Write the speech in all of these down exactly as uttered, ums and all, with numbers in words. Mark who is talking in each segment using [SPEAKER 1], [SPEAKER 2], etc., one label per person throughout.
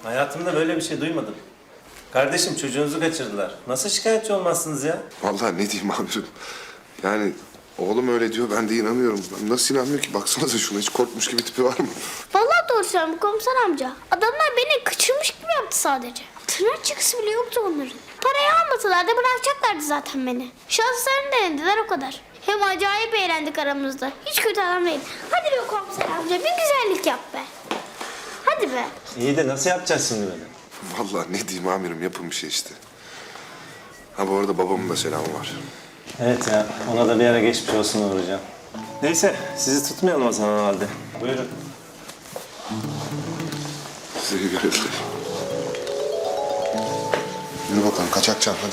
[SPEAKER 1] Hayatımda böyle bir şey duymadım. Kardeşim çocuğunuzu kaçırdılar. Nasıl şikayetçi olmazsınız ya?
[SPEAKER 2] Vallahi ne diyeyim amirim. Yani oğlum öyle diyor, ben de inanıyorum. Ben nasıl inanmıyor ki? Baksanıza şuna, hiç korkmuş gibi tipi var mı?
[SPEAKER 3] Vallahi doğru söylüyorum komiser amca. Adamlar beni kaçırmış gibi yaptı sadece. Tırnak çıkısı bile yoktu onların. Parayı almasalar da bırakacaklardı zaten beni. Şanslarını denediler o kadar. Hem acayip eğlendik aramızda. Hiç kötü adam değil. Hadi be komiser amca bir güzellik yap be. Hadi be.
[SPEAKER 1] İyi de nasıl yapacağız şimdi böyle?
[SPEAKER 2] Vallahi ne diyeyim amirim, yapın bir şey işte. Ha bu arada babamın da selamı var.
[SPEAKER 1] Evet ya, ona da bir ara geçmiş olsun uğrayacağım. Neyse, sizi tutmayalım o zaman o halde. Buyurun.
[SPEAKER 2] Size iyi görevler. Yürü bakalım, kaçakçam hadi.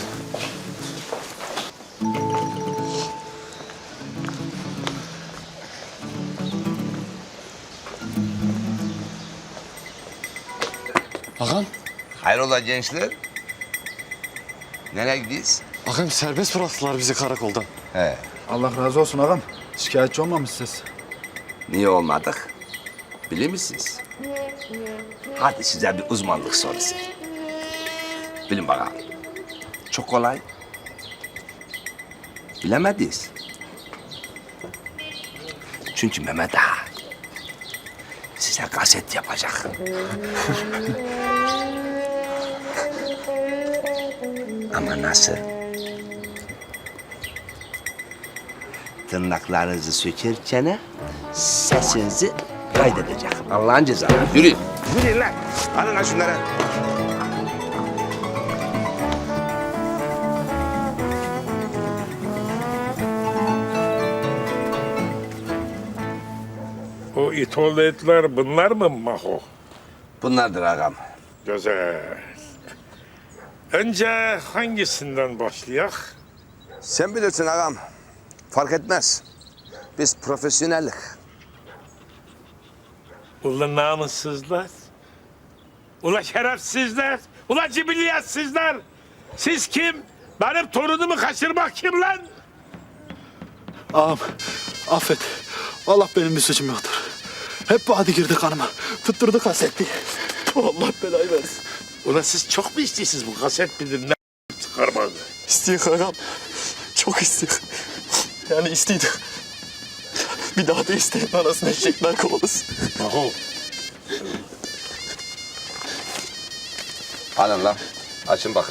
[SPEAKER 4] Ağam,
[SPEAKER 5] Hayrola gençler? Nereye gidiyoruz?
[SPEAKER 4] ağam serbest bıraktılar bizi karakoldan.
[SPEAKER 5] He.
[SPEAKER 6] Allah razı olsun ağam. Şikayetçi olmamışsınız.
[SPEAKER 5] Niye olmadık? Bilir misiniz? Hadi size bir uzmanlık sorusu. Bilin bakalım. Çok kolay. Bilemediniz. Çünkü Mehmet Ağa size kaset yapacak. Ama nasıl? Tırnaklarınızı sökerken sesinizi kaydedecek. Allah'ın cezası. Yürüyün. Yürüyün lan. Alın lan şunları.
[SPEAKER 7] O itoğlu etler bunlar mı Maho?
[SPEAKER 5] Bunlardır ağam.
[SPEAKER 7] Güzel. Önce hangisinden başlayak?
[SPEAKER 5] Sen bilirsin ağam. Fark etmez. Biz profesyonellik.
[SPEAKER 7] Ulan namussuzlar. Ula şerefsizler. Ula cibilliyatsizler. Siz kim? Benim torunumu kaçırmak kim lan?
[SPEAKER 6] Ağam affet. Vallahi benim bir suçum yoktur. Hep bu adı girdi kanıma. Tutturdu kasetti. Allah belayı versin.
[SPEAKER 7] Ula siz çok mu istiyorsunuz bu kaset bilir ne çıkarmanı?
[SPEAKER 4] İsteyik ağam, çok isteyik. Yani isteydik. Bir daha da isteyin anasını eşekler kovalasın.
[SPEAKER 7] Maho.
[SPEAKER 5] Alın lan. Açın bakın.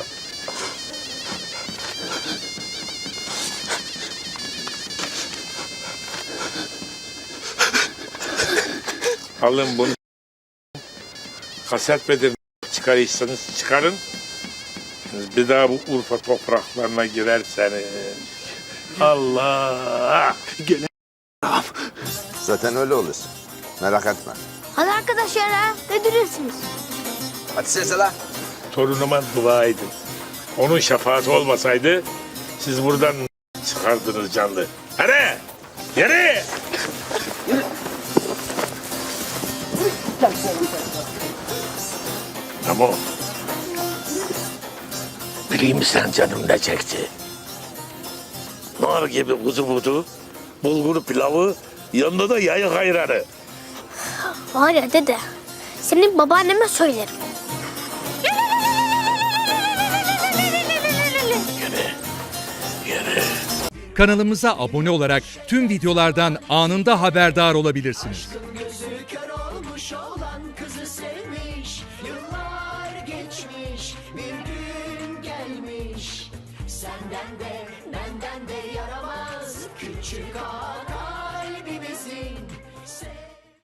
[SPEAKER 7] Alın bunu. Kaset bedir çıkarırsanız çıkarın. Bir daha bu Urfa topraklarına girerseniz. Allah!
[SPEAKER 6] Gene ağam.
[SPEAKER 5] Zaten öyle olursun. Merak etme.
[SPEAKER 3] Hadi arkadaşlar ha. Ne duruyorsunuz?
[SPEAKER 5] Hadi sesle lan.
[SPEAKER 7] Torunuma dua edin. Onun şefaati olmasaydı siz buradan çıkardınız canlı. Hadi! Yürü! Ama bileyim sen canım ne çekti? Nar gibi kuzu budu, bulgur pilavı, yanında da yayık ayranı.
[SPEAKER 3] Var ya dede. Senin babaanneme söylerim.
[SPEAKER 8] Kanalımıza abone olarak tüm videolardan anında haberdar olabilirsiniz.
[SPEAKER 9] Gözü kör olmuş olan kızı sevmiş. Yıllar geçmiş, bir gün gelmiş. Senden de benden de yaramaz küçük ağa kalbimizin.